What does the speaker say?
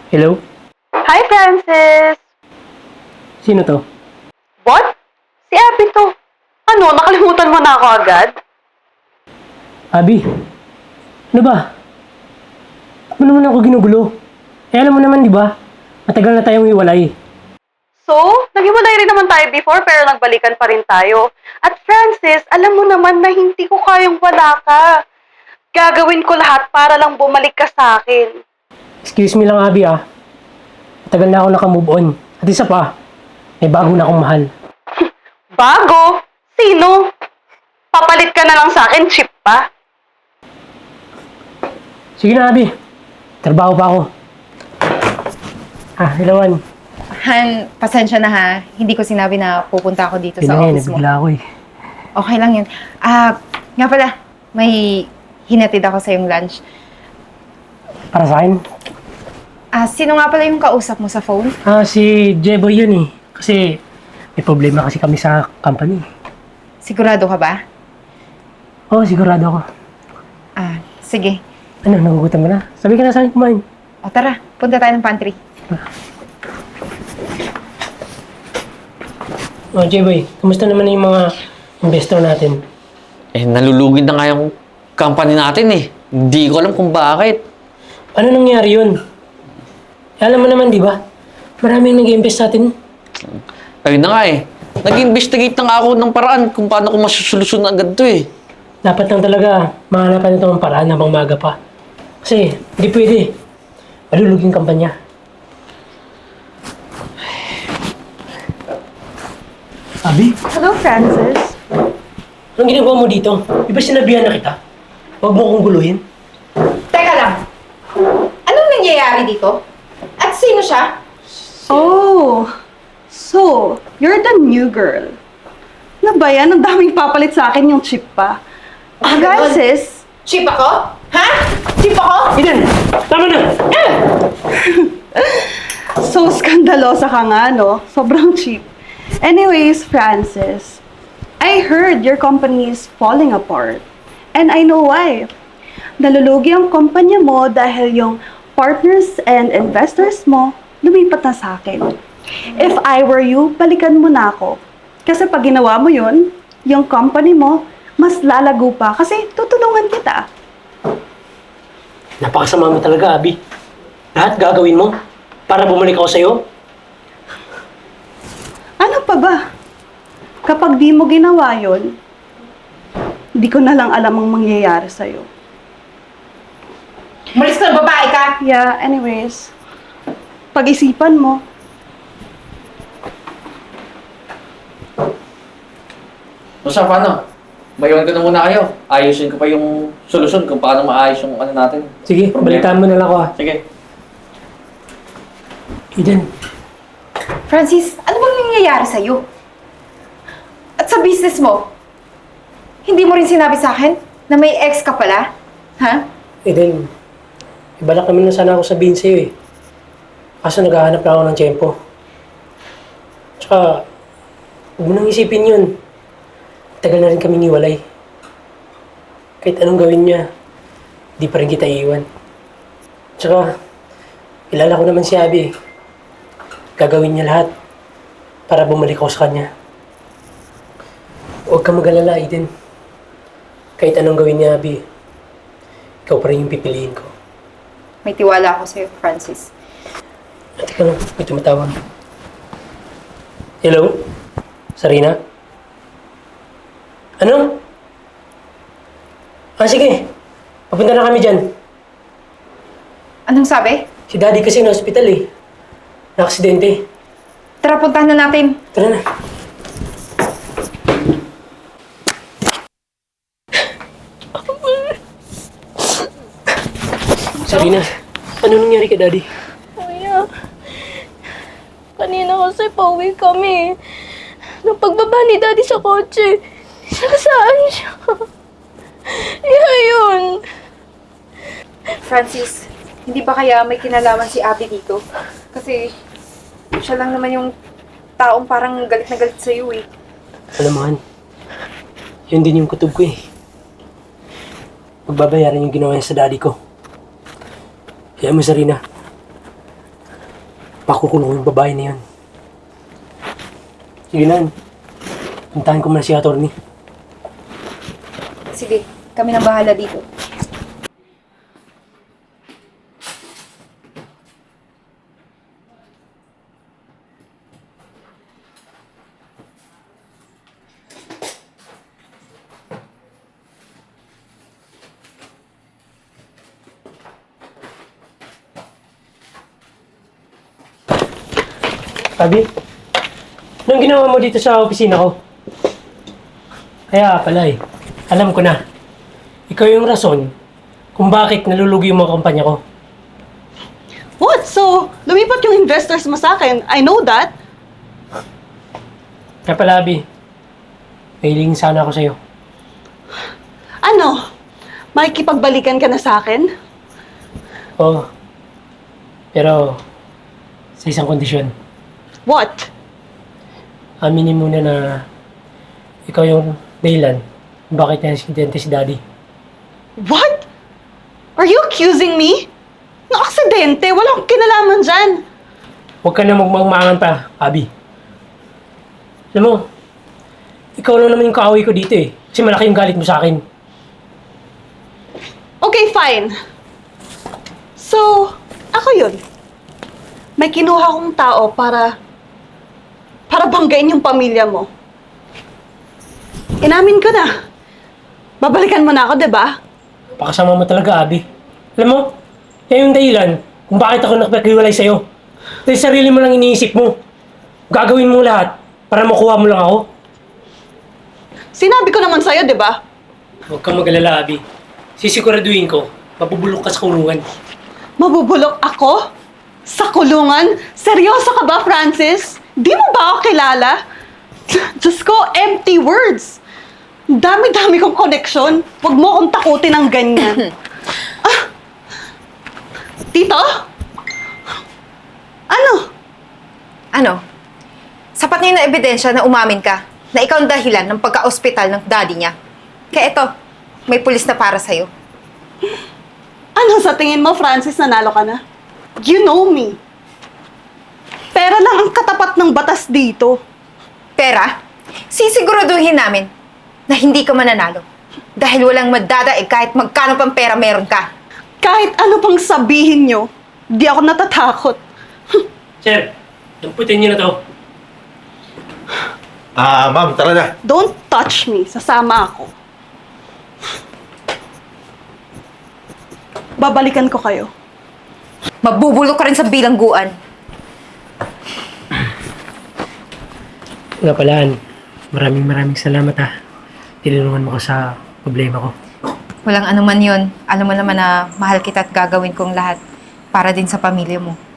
Hello? Hi, Francis! Sino to? What? Si Abby to. Ano, nakalimutan mo na ako agad? Abi? Ano ba? Ano naman ako ginugulo? Alam mo naman, di ba? Matagal na tayong iwalay. So, naghiwalay rin naman tayo before pero nagbalikan pa rin tayo. At Francis, alam mo naman na hindi ko kayang wala ka. Gagawin ko lahat para lang bumalik ka sa akin. Excuse me lang, Abi ah. Matagal na ako naka-move on. At isa pa, may bago na akong mahal. Bago? Sino? Papalit ka na lang sa akin, cheap pa. Sige na, Abi. Trabaho pa ako. Hello, Juan. Han, pasensya na ha. Hindi ko sinabi na pupunta ako dito sa office mo. Nabigla ako eh. Okay lang yun. Nga pala, may hinatid ako sa yung lunch. Para sa akin? Sino nga pala yung kausap mo sa phone? Si Jeboy yun eh. Kasi may problema kasi kami sa company. Sigurado ka ba? Oo, sigurado ako. Sige. Ano, nagugutom ka na? Sabi ka na sa akin kumain. O tara, punta tayo ng pantry. Jeboy, kumusta naman yung mga investor natin? Nalulugid na nga yung company natin eh. Hindi ko alam kung bakit. Ano nangyari yun? Alam mo naman, di ba? Maraming nag-invest sa atin. Ayun na nga eh. Nag-investigate na nga ako ng paraan kung paano ko masusolusyon agad to eh. Dapat lang talaga mahanapan ito ng paraan habang maga pa. Kasi, hindi pwede. Maluluging kampanya. Abi, Hello, Francis. anong ginagawa mo dito? Di ba sinabihan na kita? Huwag mo akong guluhin. Teka lang. Anong nangyayari dito? At sino siya? Oh, so, you're the new girl. Ano ba yan? Ang daming papalit sa akin yung chip pa. Ganun. Francis, Cheap ako? Ha? Cheap ako? Eden, tama na! so skandalosa ka nga, no? Sobrang cheap. Anyways, Francis, I heard your company is falling apart. And I know why. Nalulugi ang kumpanya mo dahil yung partners and investors mo lumipat na sa akin. If I were you, balikan mo na ako. Kasi pag ginawa mo yun, yung company mo, mas lalago pa kasi tutulungan kita. Napakasama mo talaga, Abi. Lahat gagawin mo para bumalik ako sa'yo. Ano pa ba? Kapag di mo ginawa yun, di ko na lang alam ang mangyayari sa'yo. Malis ka na, babae ka! Yeah, anyways, pag-isipan mo. So paano? Mayon ko na muna kayo. Ayusin ko pa yung solusyon kung paano maayos yung ano natin. Sige, balitaan mo na lang ako Sige. Eden, Francis, ano bang nangyayari sa'yo? At sa business mo, hindi mo rin sinabi sa akin na may ex ka pala? Ha? Eden, ibalak naman na sana ako sabihin sa'yo eh. Kaso naghahanap lang ako ng tiyempo. Tsaka, huwag mo nang isipin yun. Tagal na rin kaming iwalay. Kahit anong gawin niya, di pa rin kita iiwan. Tsaka, kilala ko naman si Abby. Gagawin niya lahat para bumalik ako sa kanya. Huwag kang mag-alala, Eden. Kahit anong gawin niya, Abby, ikaw pa rin yung pipiliin ko. May tiwala ako sa'yo, Francis. Teka lang, may tumatawag. Hello? Sarina? Ano? Sige. Papunta na kami dyan. Anong sabi? Si Daddy kasi na hospital eh. Na-aksidente. Tara, puntahan na natin. Tara na. Sarina, ano nangyari kay Daddy? Kuya, kanina kasi pauwi kami. Nung pagbaba ni Daddy sa kotse, saan siya? Yun. Francis, hindi ba kaya may kinalaman si Abby dito? Kasi siya lang naman yung taong parang galit na galit sa'yo eh. Alam mo, Han, yun din yung kutob ko eh. Magbabayaran yung ginawa niya sa daddy ko. Kaya mo, Sarina, pakukulong yung babae na yun. Sige na, puntahan ko muna si attorney. Sige, kami nang bahala dito. Abby, anong ginawa mo dito sa opisina ko? Kaya pala alam ko na. Ikaw yung rason kung bakit nalulugi yung mga kumpanya ko. What? So, lumipat yung investors mo sa akin. I know that. Kaya pala, Abby, may hiling sana ako sa'yo. Ano? Makikipagbalikan ka na sa akin? Oo. Pero, sa isang kondisyon. What? Aminin muna na ikaw yung dahilan kung bakit na-aksidente si Daddy. What? Are you accusing me? Ng aksidente? Walang kinalaman dyan. Huwag ka na magmangmangan pa, Abby. Alam mo, ikaw lang naman yung kaaway ko dito eh. Kasi malaki yung galit mo sa akin. Okay, fine. So, ako yun. May kinuha kong tao para banggain yung pamilya mo. Inamin ko na. Babalikan mo na ako, 'di ba? Pakasama mo talaga, Abby. Alam mo, yan yung dahilan kung bakit ako nakipaghiwalay sa'yo. Dahil sarili mo lang iniisip mo. Gagawin mo lahat para makuha mo lang ako. Sinabi ko naman sa'yo, 'di ba? Huwag kang mag-alala, Abby. Sisiguraduhin ko, mabubulok ka sa kulungan. Mabubulok ako? Sa kulungan? Seryoso ka ba, Francis? Di mo ba ako kilala? Diyos ko, empty words. Dami-dami kong connection. Huwag mo akong takutin ng ganyan. Tito? Ano? Ano? Sapat na yun na ebidensya na umamin ka na ikaw ang dahilan ng pagka-ospital ng daddy niya. Kaya eto, may pulis na para sa'yo. Ano sa tingin mo, Francis, nanalo ka na? You know me. Pera lang ang katapat ng batas dito. Pera, sisiguraduhin namin na hindi ka mananalo. Dahil walang madadaig kahit magkano pang pera meron ka. Kahit ano pang sabihin nyo, di ako natatakot. Sir, lamputin niyo na to. Ma'am, tara na. Don't touch me. Sasama ako. Babalikan ko kayo. Mabubulok ka rin sa bilangguan. Nga palaan, maraming salamat ha. Tinulungan mo ko sa problema ko. Walang anuman yun. Alam mo naman na mahal kita at gagawin kong lahat para din sa pamilya mo.